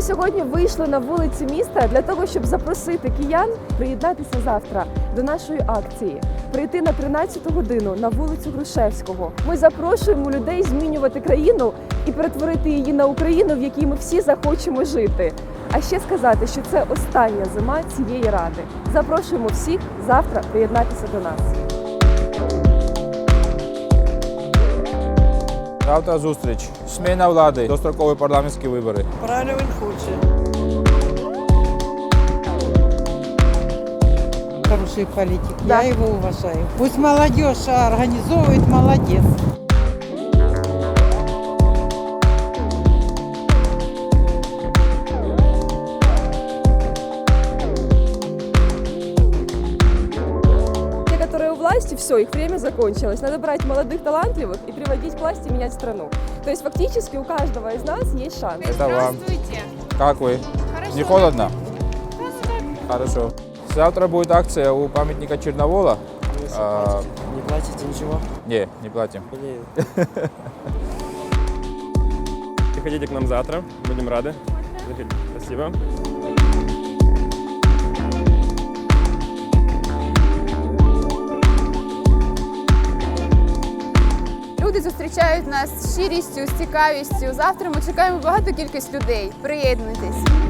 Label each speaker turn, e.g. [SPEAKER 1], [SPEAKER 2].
[SPEAKER 1] сьогодні вийшли на вулиці міста для того, щоб запросити киян приєднатися завтра до нашої акції, прийти на 13-ту годину на вулицю Грушевського. Ми запрошуємо людей змінювати країну і перетворити її на Україну, в якій ми всі захочемо жити. А ще сказати, що це остання зима цієї ради. Запрошуємо всіх завтра приєднатися до нас.
[SPEAKER 2] Завтра зустріч. Зміна влади, дострокові парламентські вибори.
[SPEAKER 3] Правильно він хоче. Хороший политик,
[SPEAKER 1] Да.
[SPEAKER 3] я его уважаю. Пусть молодежь организовывает, молодец.
[SPEAKER 1] Те, которые у власти, все, их время закончилось. Надо брать молодых, талантливых и приводить к власти и менять страну. То есть фактически у каждого из нас есть шанс.
[SPEAKER 2] Это вам.
[SPEAKER 4] Здравствуйте.
[SPEAKER 2] Как вы?
[SPEAKER 4] Хорошо.
[SPEAKER 2] Не холодно?
[SPEAKER 4] Да.
[SPEAKER 2] Хорошо. Завтра будет акция у памятника Черновола.
[SPEAKER 5] Не платите ничего?
[SPEAKER 2] Не платим.
[SPEAKER 5] Блин.
[SPEAKER 6] Приходите к нам завтра, будем рады. Спасибо.
[SPEAKER 4] Люди зустрічають нас з щирістю, з цікавістю. Завтра ми чекаємо багато кількість людей. Приєднуйтесь.